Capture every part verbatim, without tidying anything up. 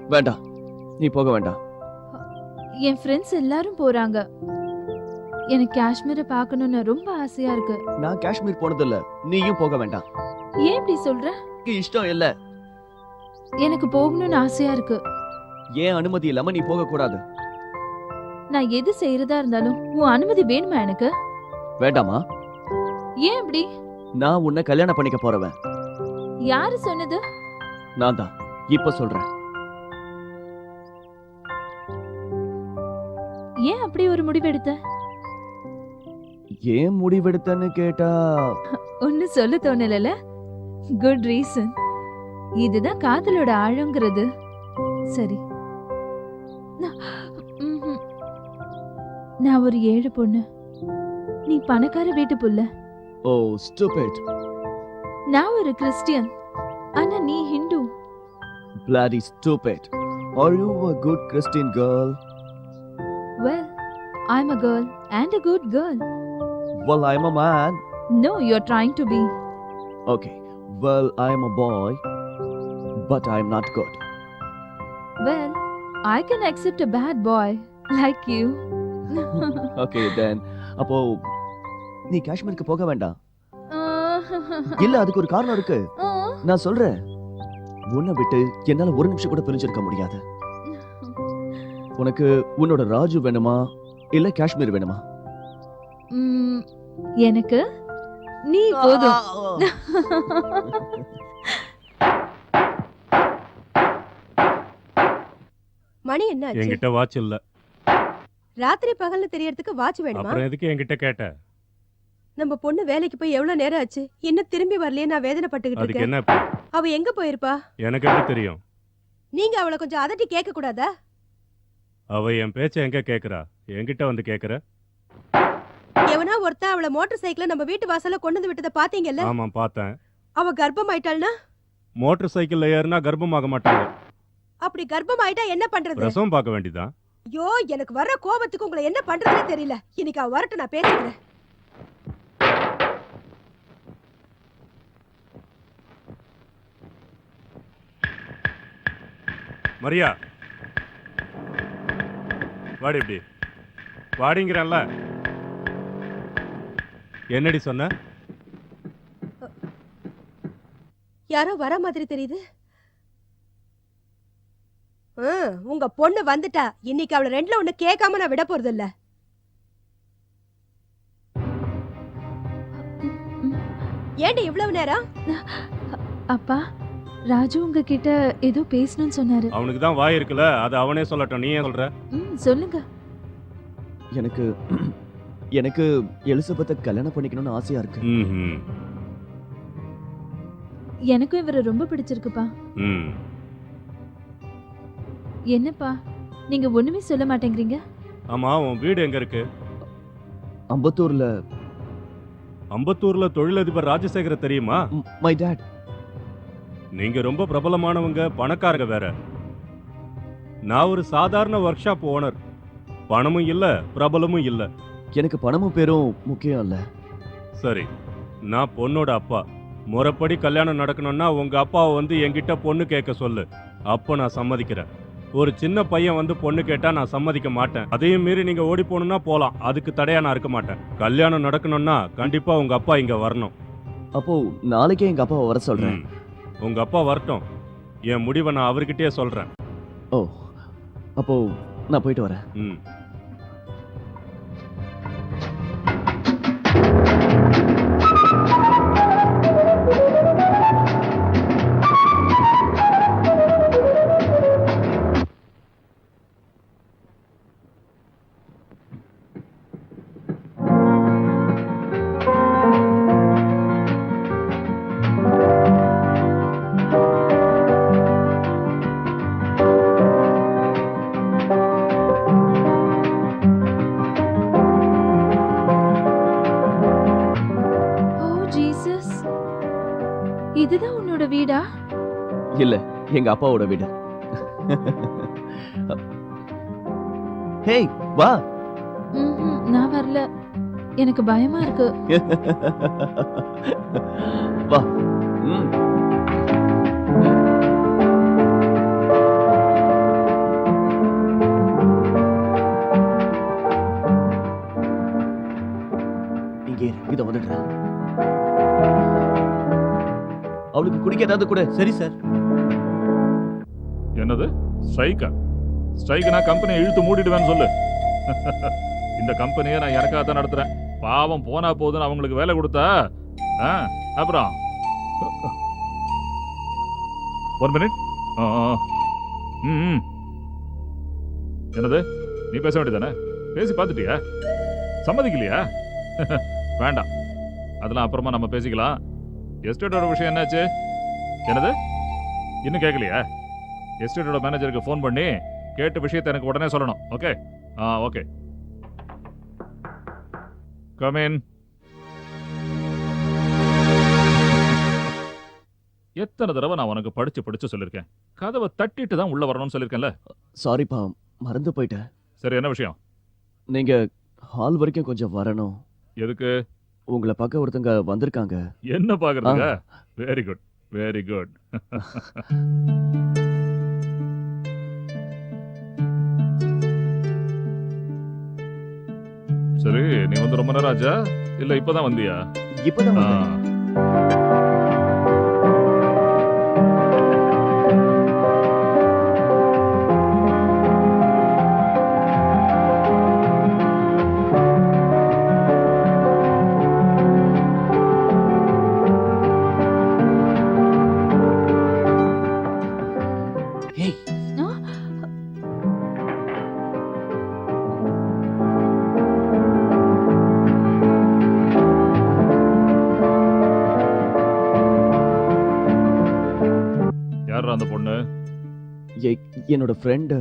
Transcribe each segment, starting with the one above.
வேண்டாம், நீ போக வேண்டாம். என் ஃப்ரெண்ட்ஸ் எல்லாரும் போறாங்க. எனக்கு காஷ்மீரை பார்க்கணும்னு ரொம்ப ஆசையா இருக்கு. நான் காஷ்மீர் போனதில்ல, நீயும் போக வேண்டாம். ஏன் இப்படி சொல்ற? இஷ்டம் இல்ல. எனக்கு போகணும்னு ஆசையா இருக்கு. ஏன் அனுமதி இல்லாம நீ போக கூடாது? நான் எது செய்யறதா இருந்தாலும் உன் அனுமதி வேணுமா எனக்கு? வேண்டாமா? ஏன் அப்படி? நான் உன்னை கல்யாணம் பண்ணிக்க போறவன். யாரு சொன்னது? நான் தான். இப்ப சொல்றேன். ஏன் அப்படி ஒரு முடிவெடுத்த? ஏன் முடிவெடுத்தன்னு கேட்டா ஒன்னு சொல்ல தோணல. Good reason. இதுதான் காதலோட ஆழங்கிறது. சரி, நான் ஒரு ஏழை பொண்ணு, நீ பணக்கார வீட்டு புள்ள. Oh stupid. நான் ஒரு கிறிஸ்டியன், ஆனா நீ Hindu. Bloody stupid. Are you a good Christian girl? Well, I'm a girl and a good girl. Well, I'm a man. No, you're trying to be. Okay. Well, I'm a boy, but I'm not good. Well, I can accept a bad boy like you. Okay, then. அப்போ நீ காஷ்மீருக்கு போக வேண்டாம். இல்ல, அதுக்கு ஒரு காரணம் இருக்கு. நான் சொல்றேன். உன்னை விட்டு என்னால ஒரு நிமிஷம் கூட பிரிஞ்சிருக்க முடியாது. உனக்கு உன்னோட ராஜு வேணுமா இல்ல காஷ்மீர் வேணுமா? எனக்கு நீ போதும். மணி என்ன ஆச்சு? என்கிட்ட வாட்ச் இல்ல. ராத்திரி பகல்ல தெரியறதுக்கு வாட்ச் வேணுமா? அப்புறம் எதுக்கு என்கிட்ட கேட்ட? நம்ம பொண்ணு வேலைக்கு போய் எவ்வளவு நேரம் ஆச்சு, இன்னும் திரும்பி வரலையே. நான் வேதனைப்பட்டுக்கிட்டு அதுக்கு இருக்கேன். என்ன? அவ எங்க போயிருப்பா? எனக்கு எப்படி தெரியும்? நீங்க அவளை கொஞ்சம் அதட்டி கேட்க கூடாதா? அவ என் பேச்ச எங்க கேக்குறா? என்கிட்ட வந்து கேக்குற? எவனா ஒருத்தன் அவளை மோட்டார் சைக்கிள நம்ம வீட்டு வாசல்ல கொண்டு வந்து விட்டத பாத்தீங்கல்ல? ஆமா பார்த்தேன். அவ கர்ப்பம் ஆயிட்டாள்னா? மோட்டார் சைக்கிள்ல ஏறினா கர்ப்பமாக மாட்டாங்க. அப்படி கர்ப்பம் ஆயிட்டா என்ன பண்றது? பிரசவம் பார்க்க வேண்டியதா? ஐயோ, எனக்கு வர்ற கோபத்துக்கு உங்களை என்ன பண்றதுன்னு தெரியல. இன்னைக்கு அவ வரட்டும், நான் பேசிக்கிறேன். மரியா, வாடி. இப்படி வாடிங்கிறல்ல. என்னடி சொன்ன? யாரோ வர மாதிரி தெரியுது. உங்க பொண்ணு வந்துட்டா. இன்னைக்கு அவளை ரெண்டுல ஒண்ணு கேட்காம நான் விட போறது இல்ல. ஏண்டி இவ்வளவு நேரம்? அப்பா, ராஜு உங்ககிட்ட ஏதோ பேசணும்னு சொன்னாரு. அவனுக்கு தான் வாய் இருக்குல்ல, அது அவனே சொல்லட்டும். நீ ஏன் சொல்ற? ம், சொல்லுங்க. எனக்கு எனக்கு எலிசபெத்தை கல்யாணம் பண்ணிக்கணும்னு ஆசையா இருக்கு. ம்ஹும். எனக்கும் இவரை ரொம்ப பிடிச்சிருக்குப்பா. ம். என்னப்பா நீங்க ஒண்ணுமே சொல்ல மாட்டேங்கிறீங்க? ஆமா, உன் வீடு எங்க இருக்கு? அம்பத்தூர்ல. அம்பத்தூர்ல தொழிலதிபர் ராஜசேகர தெரியுமா? My dad. நீங்க ரொம்ப பிரபலமானவங்க, பணக்காரங்க வேற. நான் ஒரு சாதாரண ஒர்க் ஷாப் ஓனர். பணமும் இல்ல, பிரபலமும் இல்ல. எனக்கு பணமும் பேரும் முக்கியம் இல்ல. சரி, நான் பொண்ணோட அப்பா. முறைப்படி கல்யாணம் நடக்கணும்னா உங்க அப்பாவை வந்து என்கிட்ட பொண்ணு கேட்க சொல்லு. அப்போ நான் சம்மதிக்கிறேன். ஒரு சின்ன பையன் வந்து பொண்ணு கேட்டா நான் சம்மதிக்க மாட்டேன். அதையும் மீறி நீங்க ஓடி போகணும்னா போலாம், அதுக்கு தடையா நான் இருக்க மாட்டேன். கல்யாணம் நடக்கணும்னா கண்டிப்பா உங்க அப்பா இங்க வரணும். அப்போ நாளைக்கே எங்க அப்பாவை வர சொல்றேன். உங்க அப்பா வரட்டும், என் முடிவை நான் அவர்கிட்டயே சொல்றேன். ஓ, அப்போ நான் போயிட்டு வரேன். ம். இதுதான் உன்னோட வீடா? இல்ல, எங்க அப்பாவோட வீடு. ஹேய், வா. ம்ஹும், நான் வரல. எனக்கு பயமா இருக்கு. வா. ம். அவளுக்கு குடிக்க ஏதாவது கூட. சரி சார். என்னது ஸ்ட்ரைக்கா? ஸ்ட்ரைக் நான் கம்பெனியை இழுத்து மூடிடுவேன்னு சொல்லு. இந்த கம்பெனியை நான் எனக்காக தான் நடத்துறேன். பாவம் போனா போதுன்னு அவங்களுக்கு வேலை கொடுத்தா ஆ, அப்புறம் ஒன் மினிட். ம் என்னது நீ பேச வேண்டியதானே? பேசி பார்த்துட்டியா? சம்மதிக்கலையா? வேண்டாம், அதெல்லாம் அப்புறமா நம்ம பேசிக்கலாம். எஸ்டேட்டோட விஷயம் என்னாச்சு? என்னது இன்னும் கேட்கலையா? எஸ்டேட்டோட மேனேஜருக்கு ஃபோன் பண்ணி கேட்ட விஷயத்தை எனக்கு உடனே சொல்லணும். ஓகே? ஆ ஓகே. Come in. எத்தனை தடவை நான் உனக்கு படிச்சு படிச்சு சொல்லிருக்கேன், கதவை தட்டிட்டு தான் உள்ள வரணும்னு சொல்லிருக்கேன்ல. சாரிப்பா, மறந்து போயிட்டேன். சரி, என்ன விஷயம்? நீங்க ஹால் வரைக்கும் கொஞ்சம் வரணும். எதுக்கு? உங்களை பார்க்க ஒருத்தங்க வந்திருக்காங்க. என்ன பாக்குறதுங்க? Very good, very good. சரி, நீ வந்து ரொம்ப நேரம் ஆச்சா இல்ல இப்பதான் வந்தியா? இப்பதான் ஆ. வந்தேன். ஏய், யாரா அந்த பொண்ணு? எ- என்னோட ஃப்ரெண்டு.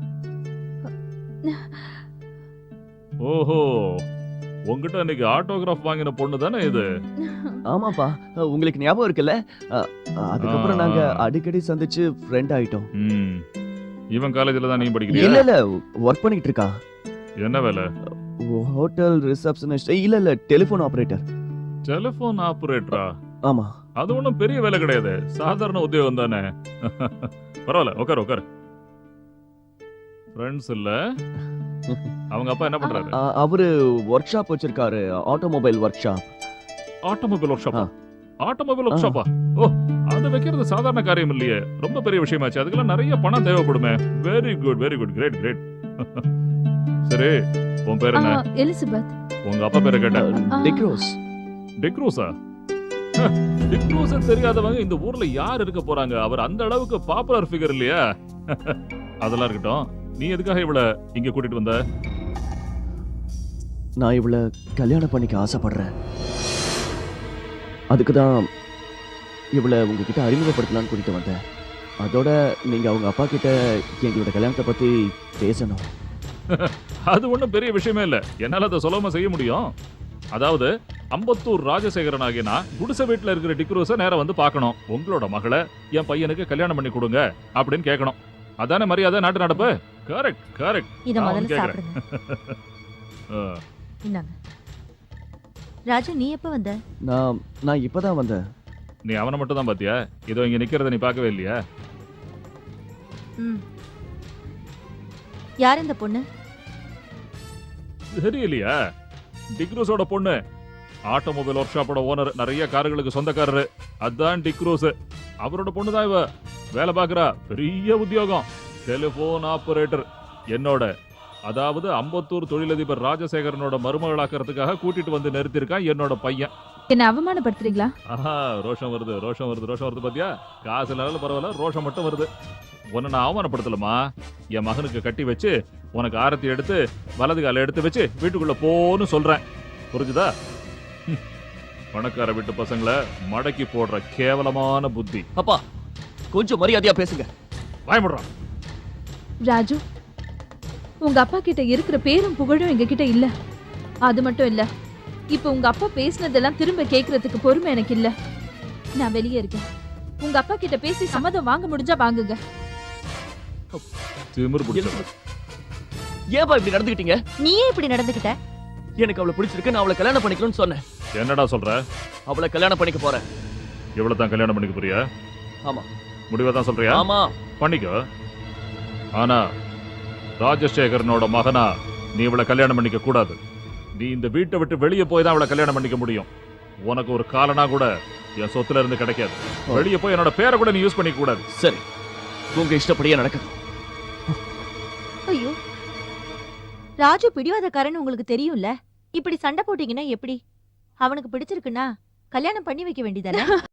ஓஹோ, உங்ககிட்ட இன்னைக்கு ஆட்டோகிராஃப் வாங்கின பொண்ணு தானே இது? ஆமாப்பா, உங்களுக்கு ஞாபகம் இருக்குல்ல? அ, அதுக்கப்புறம் ஆ. நாங்க அடிக்கடி சந்திச்சு ஃப்ரெண்ட் ஆயிட்டோம். ம். இவன் காலேஜ்ல தான் நீ படிக்கிறியா? இல்ல இல்ல, ஒர்க் பண்ணிட்டு இருக்கா. என்ன வேலை? Hotel receptionist. இல்ல இல்ல, டெலிபோன் ஆபரேட்டர். டெலிபோன் ஆபரேட்டரா? ஆமா. அது ஒண்ணும் பெரிய வேலை கிடையாது, சாதாரண உத்தியோகம் தானே. பரவாயில்ல, உட்காரு உட்காரு. ஃப்ரெண்ட்ஸ் இல்ல? அவங்க அப்பா என்ன பண்றாரு? அ, அவரு ஒர்க் ஷாப் வச்சிருக்காரு, automobile workshop. Automobile work ஷாப்பா? ஆ. ஆட்டோமொபைல் ஒர்க் ஆ. ஷாப்பா? ஓ, அது வைக்கிறது சாதாரண காரியம் இல்லையே, ரொம்ப பெரிய விஷயமாச்சு. அதுக்கெல்லாம் நிறைய பணம் தேவைப்படுமே. Very good, very good, great great. சரி, உன் பேர் என்ன? ஆ, எலிசபெத். உங்க அப்பா பேரை கேட்டேன். ஆ. டிக்ரோஸ். டிக்ரூஸா? டிக்ரூஸ் தெரியாதவங்க இந்த ஊர்ல யார் இருக்க போறாங்க? அவர் அந்த அளவுக்கு பாப்புலர் ஃபிகர் இல்லையா? அதெல்லாம் இருக்கட்டும், நீ எதுக்காக இவள இங்க கூட்டிட்டு வந்த? நான் இவள கல்யாணம் பண்ணிக்க ஆசைப்படுறேன். அதுக்கு தான் இவளை உங்ககிட்ட அறிமுகப்படுத்தலாம்னு கூட்டிட்டு வந்தேன். அதோட நீங்க அவங்க அப்பா கிட்ட எங்களோட கல்யாணத்தை பத்தி பேசணும். அது ஒண்ணும் பெரிய விஷயமே இல்ல, என்னால அதை சொல்லாம செய்ய முடியும். அதாவது அம்பத்தூர் ராஜசேகரன் ஆகிய நான் குடிசை வீட்டுல இருக்கிற டிக்ரூஸை நேரா வந்து பார்க்கணும். உங்களோட மகளை என் பையனுக்கு கல்யாணம் பண்ணி கொடுங்க அப்படின்னு கேட்கணும். அதானே மரியாதை, நாட்டு நடப்பு. Correct correct. இத நான் முதல்ல கேக்குறேன். சாப்பிடுங்க. ஆ, இந்தாங்க. ராஜு, நீ எப்ப வந்த? நான் நான் இப்பதான் வந்தேன். நீ அவனை மட்டும் தான் பாத்தியா? இதோ இங்க நிக்கிறத நீ பார்க்கவே இல்லையா? ம். யார் இந்த பொண்ணு? தெரியலையா? டிக்ரூஸோட பொண்ணு. ஆட்டோமொபைல் ஒர்க் ஷாப்போட ஓனர், நிறைய கார்களுக்கு சொந்தக்காரரு. அதான் டிக்ரூஸ். அவரோட பொண்ணு தான் இவ. வேலை பார்க்கறா, பெரிய உத்தியோகம், டெலிபோன் ஆபரேட்டர். என்னோட, அதாவது அம்பத்தூர் தொழிலதிபர் ராஜசேகரனோட மருமகளாக்கிறதுக்காக கூட்டிட்டு வந்து நிறுத்திருக்கான் என்னோட பையன். என்ன அவமானப்படுத்துறீங்களா? ஆஹா, ரோஷம் வருது ரோஷம் வருது ரோஷம் வருது பாத்தியா? காசு இல்லாத பரவாயில்ல, ரோஷம் மட்டும் வருது. உன்னை நான் அவமானப்படுத்தலமா? என் மகனுக்கு கட்டி வச்சு உனக்கு ஆரத்தி எடுத்து வலது கால எடுத்து வச்சு வீட்டுக்குள்ள போன்னு சொல்றேன். புரிஞ்சுதா? ஹம். பணக்கார வீட்டு பசங்களை மடக்கி போடுற கேவலமான புத்தி. அப்பா, கொஞ்சம் மரியாதையா பேசுங்க. பயமுடுறான். ராஜு, உங்க அப்பா கிட்ட இருக்கிற பேரும் புகழும் எங்க கிட்ட இல்ல. அது மட்டும் இல்ல, இப்ப உங்க அப்பா பேசினதெல்லாம் திரும்ப கேக்குறதுக்கு பொறுமை எனக்கு இல்ல. நான் வெளியே இருக்கேன். உங்க அப்பா கிட்ட பேசி சம்மதம் வாங்க முடிஞ்சா வாங்குங்க. திமிர் பிடிச்சவன். ஏன்பா இப்படி நடந்துக்கிட்டீங்க? நீயே இப்படி நடந்துக்கிட்ட? எனக்கு அவளை பிடிச்சிருக்கு, நான் அவளை கல்யாணம் பண்ணிக்கணும்னு சொன்னேன். என்னடா சொல்ற? அவளை கல்யாணம் பண்ணிக்க போறேன். இவ்வளவு தான் கல்யாணம் பண்ணிக்க போறியா? ஆமா. முடிவா தான் சொல்றியா? ஆமா. பண்ணிக்கோ. ஆனா ராஜசேகரனோட மகனா நீ இவளை கல்யாணம் பண்ணிக்க கூடாது. நீ இந்த வீட்டை விட்டு வெளியே போய் தான் அவளை கல்யாணம் பண்ணிக்க முடியும். உனக்கு ஒரு காலனா கூட என் சொத்துல இருந்து கிடைக்காது. வெளியே போய் என்னோட பேரை கூட நீ யூஸ் பண்ணிக்க கூடாது. சரி, உங்க இஷ்டப்படியே நடக்கணும். ஐயோ, ராஜு பிடிவாதக்காரன்னு உங்களுக்கு தெரியும்ல. இப்படி சண்டை போட்டீங்கன்னா எப்படி? அவனுக்கு பிடிச்சிருக்குன்னா கல்யாணம் பண்ணி வைக்க வேண்டியதானே?